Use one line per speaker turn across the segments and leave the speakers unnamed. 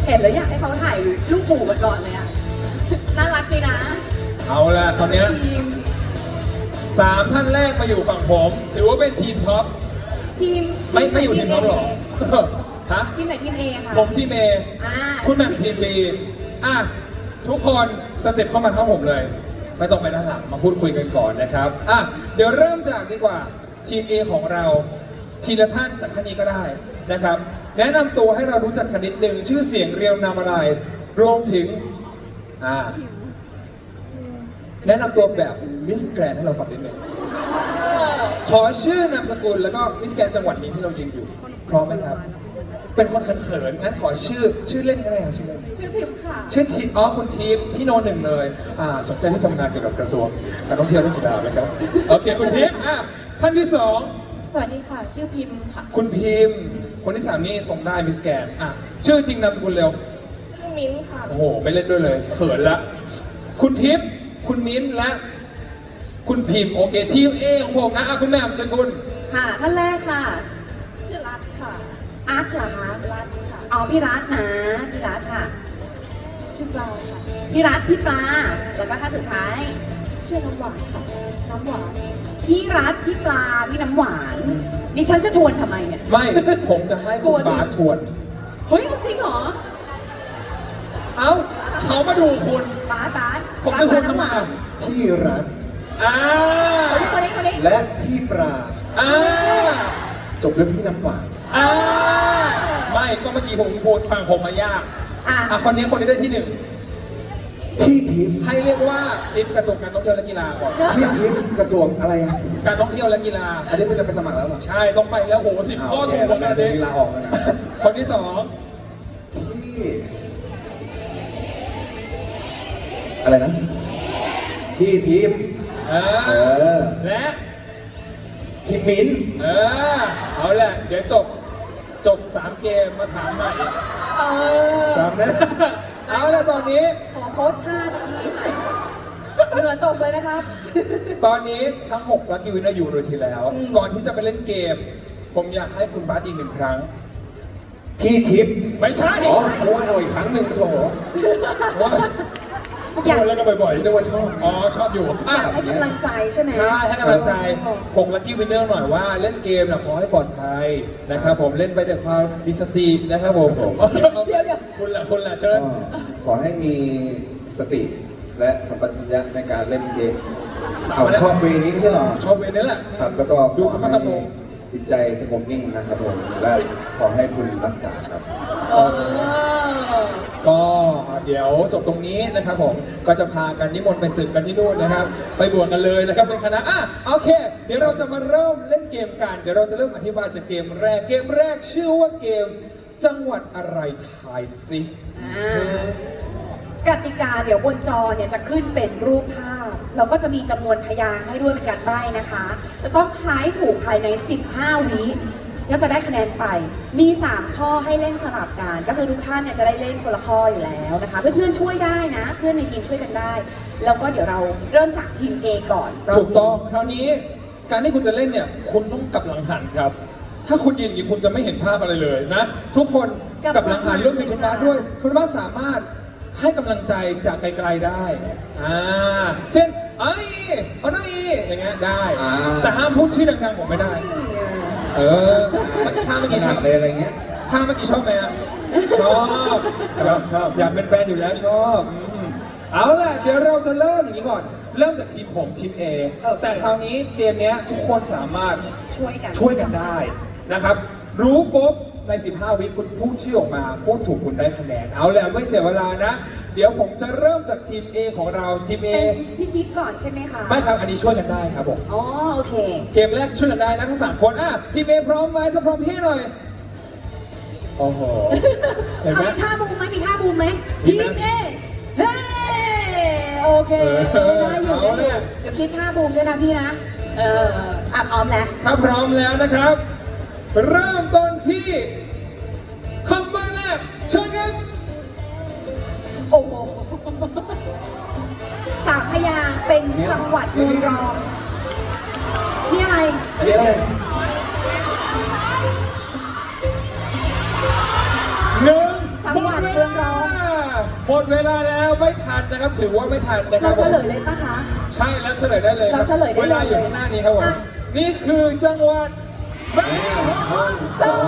เห็นแล้วอยากให้เขาถ่ายรูปหมู่กันก่อนเลยอะน่ารักดีนะ
เอาละคราวเนี้ย
ทีม
3 ท่านแรกมาอยู่ฝั่งผม ถือว่าเป็นทีมท็อป
ทีม
ไม่อยู่ทีมท็อปหรอ ฮะ
ทีมไหนทีมเอค่ะ
ผมทีมเอ
อ่า
คุณแหม่มทีมบีอ่ะทุกคนสเต็ปเข้ามาเข้าผมเลย ไม่ต้องไปด้านหลังมาพูดคุยกันก่อนนะครับอ่ะเดี๋ยวเริ่มจากดีกว่าทีม A ของเราทีละท่านจากท่านนี้ก็ได้นะครับ แนะนำตัวให้เรารู้จักกันนิดหนึ่งชื่อเสียงเรียวนามอะไร รวมถึงแนะนำตัวแบบมิสแกรนให้เราฟังนิดหนึ่งขอชื่อนามสกุลแล้วก็มิสแกรนจังหวัดนี้ที่เรายืนอยู่พร้อมไหมครับ เป็นคนเขินๆงั้นขอชื่อเล่นก็ได้ครับชื่อเล่น
ชื่อพิมค่ะ
ชื่อทีคุณทีมที่โนหนึ่งเลยสนใจที่ทำงานเกี่ยวกับกระทรวงการท่องเที่ยวและกีฬาไหมครับ โอเคคุณทีมท่านที่สอง
สวัสดีค่ะ ชื่อพิมค่ะ
คุณพิมพ์คนที่สามนี่ส่งได้มิสแกรนชื่อจริงนามสกุลเร็ว
ชื่อมิ้นค่ะ
โอ้โหไม่เล่นด้วยเลยเขินละคุณทิพย์คุณมิ้นท์และคุณพิมพ์โอเคทีม A ของผมนะคุณแม่เชิญคุณ
ค่ะท่านแรกค่ะ ชื่อรัตค่ะ อาร์ตเหรอคะรัตค่ะอ๋อพี่รัตนะพี่รัตค่ะ ชื่อปลาค่ะพี่รัตพี่ปลาแล้วก็ท่านสุดท้าย ชื่อน้ำหวานค่ะน้ำหวานพี่รัตพี่ปลาพี่น้ำหวานดิฉันจะทวนทำไมเนี่ย
ไม่ผมจะให้คุณบาสทวน
เฮ้ยจริงเหรอ
เอ้าเขามาดูคุณ
บาส
ผมจะทวนทำไม
พี่รัฐ
คนนี้
และพี่ปลา
อ่า
จบด้วยพี่น้ำหวาน
ไม่ก็เมื่อกี้ผมพูดฟังผมมายาก คนนี้ได้ที่หนึ่ง
พี่ทิพย์
ให้เรียกว่าทีมกระทรวงการท่องเที่ยวและกีฬาก่อน
พี่ทิพย์กระทรวงอะไรอ่ะ
การท่องเที่ยวและกีฬา
อันนี้คุณจะไปสมัครแล้วเหรอ
ใช่ต้องไปแล้วโห10 ข้อถูกหมดเลย
เดี๋ยว
ดิ
ลาออกแล้วนะ
คนที่สอง
พี่อะไรนะพี่ทิพย์
เอ
เอ
อ
อ
และ
พี่มิ้น
เอาแหละเดี๋ยวจบ3 เกมมาถามใหม่
เออ
จำนะเอาละตอนนี้
ขอโพสท่าทีเหงื่อตกเลยนะครับ
ตอนนี้ทั้ง6ลัคกี้วินเนอร์อยู่บนเวทีแล้ว ก่อนที่จะไปเล่นเกม ผมอยากให้คุณบาสอีก1 ครั้ง
พี่ทิพย์
ไม่ใช่
อ๋อเอาอีกครั้งหนึ่งโถ
ว่าชวนแล้วก็บ่อย
นึกว่าชอบ
ชอบอยู่
อยากให้กำลังใจใช่ไหม
ใช่ให้กำลังใจ6ลัคกี้วินเนอร์หน่อยว่าเล่นเกมนะขอให้ปลอดภัยนะครับผมเล่นไปด้วยความมีสตินะครับผม
เดี๋ยว
คุณล่ะเชิญ
ก็ขอให้มีสติและสัมปชัญญะในการเล่นเกม
สาม
เอา
แล้ว
ชอบเพลงนี้ไม่ใช่หรอ
ชอบเวรนี้แหละ
ครับแล้วก็
ดู
ขอ
ธรรมะธรรมโม
ให้จิตใจสงบนิ่งนะครับผมและขอให้คุณรักษาครับ
ก็เดี๋ยวจบตรงนี้นะครับผมก็จะพากันนิมนต์ไปศึกกันที่นู่นนะครับ ไปบวชกันเลยนะครับเป็นคณะโอเค เดี๋ยวเราจะมาเริ่มเล่นเกมกันเดี๋ยวเราจะเริ่มอธิบายจากเกมแรกชื่อว่าเกมจังหวัดอะไรทายสิ
กติกาเดี๋ยวบนจอเนี่ยจะขึ้นเป็นรูปภาพแล้วก็จะมีจำนวนพยางค์ให้ด้วยเป็นการใบ้นะคะ จะต้องทายถูกภายใน 15 วิก็จะได้คะแนนไป มี 3 ข้อให้เล่นสลับกัน ก็คือทุกท่านเนี่ยจะได้เล่นคนละข้ออยู่แล้วนะคะ เพื่อนๆช่วยได้นะ เพื่อนในทีมช่วยกันได้ แล้วก็เดี๋ยวเราเริ่มจากทีม A ก่อน
ถูกต้องคราวนี้การที่คุณจะเล่นเนี่ยคุณต้องกลับหลังหันครับ ถ้าคุณยืนอย่างนี้คุณจะไม่เห็นภาพอะไรเลยนะทุกคนกลับหลังหันรวมถึงคุณบาสด้วยคุณบาสสามารถให้กำลังใจจากไกลๆได้เช่นเอาหน่อยอย่างเงี้ยได้ แต่ห้ามพูดชื่อดังๆผมไม่ได้ท่าเมื่อกี้ชอบ
เลยอะไรเงี้ย
ท่าเมื่อกี้ชอบไหมชอบ
ชอบ
อยากเป็นแฟนอยู่แล้วชอบเอาล่ะเดี๋ยวเราจะเริ่มอย่างนี้ก่อน เริ่มจากทีมผมทีม A แต่คราวนี้เกมเนี้ยทุกคนสามารถ
ช่วยกัน
ช่วยกันได้นะครับ รู้ปุ๊บใน 15 วิคุณพูดชื่อออกมาพูดถูกคุณได้คะแนน เอาแล้วไม่เสียเวลานะ เดี๋ยวผมจะเริ่มจากทีม A ของเราทีม A
เป็นพี่จิ๊บก่อนใช่ไหมคะ
ไม่ครับอันนี้ช่วยกันได้ครับผม
อ๋อโอเค
เกมแรกช่วยกันได้นะทั้ง3 คนทีม A พร้อมไหมถ้าพร้อมพี่หน่อยโอ้โหเห็นไหม
มีท่าบูมไหมมีท่าบูมไหมทีมเอเฮ้โอเคได้อยู่
เอาเนี่ย
เดี๋ยวคิดท่าบูมด้วยนะพี่นะพร้อมแล้ว
ถ้าพร้อมแล้วนะครับ เริ่มต้นที่คำใบ้แรกเชิญครับ
โอ้โห3 พยางค์เป็นจังหวัดเมืองรองนี่อะไร
อันนี้อะไร
หนึ่ง
จังหวัดเมืองร
หมดเวลาแล้วไม่ทันนะครับถือว่าไม่ทันนะครั
เรา
บ
เฉลยเลยปะคะ
ใช่แล้วเฉลยได้เลยค
เรา
รับ
เฉลยได้เลย
เวลาอยู่ข้างหน้านี้ครับผม
อ่ะ
นี่คือจังหวัดแม่ฮ่องสอน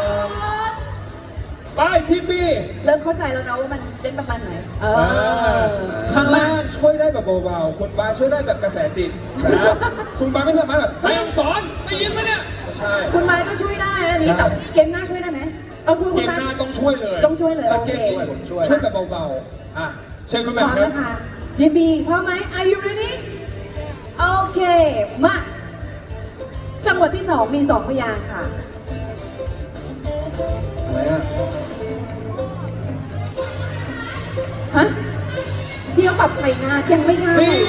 ไปทีมบี
เริ่มเข้าใจแล้วเนาะว่ามันเล่นประมาณไหน
ข้างล่างช่วยได้แบบเบาๆคุณบาสช่วยได้แบบกระแสจิตนะคุณบาสไม่สามารถแบบแม่ฮ่องสอนได้ยินไหมเนี่ยไม่ใช่
คุณไม้ก็ช่วยได้อันนี้แต่เกมหน้าช่วยได้ไหมเอาคุณ
เกม
ไม้
หน้าต้องช่วยเลย
ต้องช่วยเลย
แต่
โอเค
เกมนี้ช่วยแบบเบาๆอ่ะเชิญคุณ
พ
แม่
ร้อม
ครับ
นะคะทีมบีพร้อมไหม Are you ready โอเค มาจังหวัดที่ 2 มี 2 พยางค์ค่ะ
อะไรอ่ะ
ฮะพี่เขาตอบชัยนาทยังไม่ใช่
สี่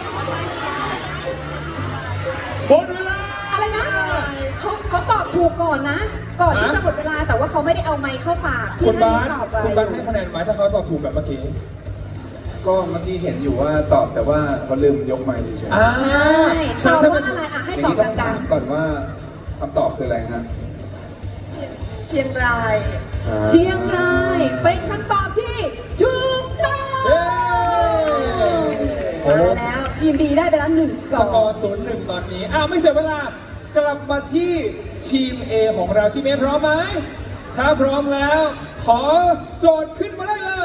หมดเวลา
อะไรนะเขาตอบถูกก่อนนะ ก่อนที่
ฮะ
จะหมดเวลาแต่ว่าเขาไม่ได้เอาไม้เข้าปากที่
คุณ
นั่น
บาส
ตอบไป
คุณบาสให้คะแนนไหมถ้าเขาตอบถูกแบบเมื่อกี้
ก็เมื่อกี้เห็นอยู่ว่าตอบแต่ว่าเขาลืมยกไมค์เฉย
ใช่ตอบว่าอะไรอ่ะ
ๆ
ให้
อย่าง
ตอบ
นี้ต้อง
ดั
ถาง มก่อนว่าคำตอบคืออะไรฮะ
ๆเชียงราย เชียงรายเป็นคำตอบที่ถูกต้อง
เย้
มาแล้วทีมบีได้ไปแล้ว1 สก
ส
อก
อ
ร์
ร์0-1ตอนนี้ไม่เสียเวลากลับมาที่ทีม A ของเราทีม A พร้อมไหมถ้าพร้อมแล้ว ขอโจทย์ขึ้นมาได้เลย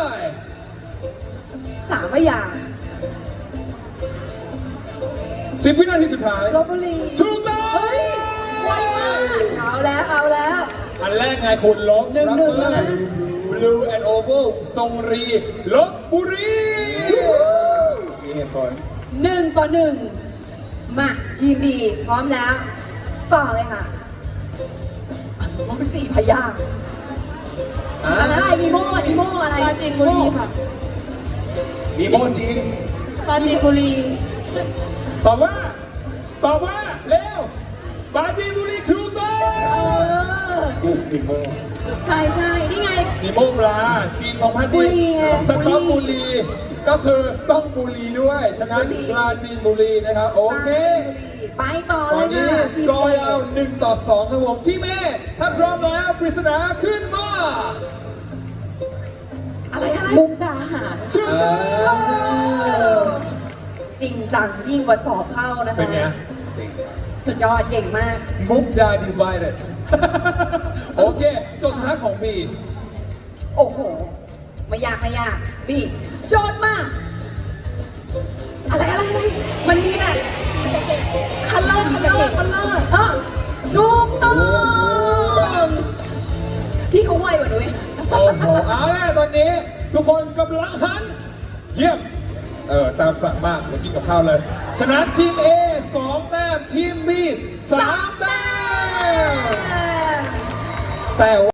3 พยางค์
10 วินาทีสุดท้าย
ลบบุรี
ถูกต้อง
เฮ้ยไวมากเอาแล้ว
อันแรกไงคุณลบ
หนึ่ง
รับ
หนึ่ง
มือ
แล้วนะ
Blue and Oval ทรงรีลบบุรี
มีเหตุผล
1-1 มาทีมบีพร้อมแล้ว ต่อเลยค่ะมันเป็น4 พยางค์อะไรอีโม่อะไรปราจีนบุรีค่ะ
มีโมจิน
ปราจีนบุรี
ตอบว่าเร็วปราจีนบุรีถูกต้อง
กุ๊กมีโม
ใช่นี่ไง
มีโมปลาจีนของพัน
บุ
จี
รีไง
สต๊อกบุรีก็คือต้องบุรีด้วยฉะนั้น
บุรี
ปลาจีนบุรีนะครับโอเค
ไปต่อ
ต
เล
อน
ย
นี้
ค่ะ
สกอร์ยาว1-2ครับผมที่เมย์ถ้าพร้อมแล้วปริศนาขึ้นมา
อะไรมุกดาหาร
ถูกต้อง
จริงจังยิ่งกว่าสอบเข้านะคะ
เป็นไง
สุดยอดเก่งมาก
มุกดาดิวายเด็ด โอเคโจทย์สุดท้ายของบี
โอ้โห ไม่ยากบีโจทย์มาอะไรมันมีแบบคัลเลอร์ถูกต้องพี่เขาไวกว่าหนูอีก
โอ้โหเอาละตอนนี้ทุกคนกำลังหัน เยี่ยมตามสั่งมากเมื่อกี้กับข้าวเลยชนะทีม A 2 แต้มทีม B 3 แต้มแต่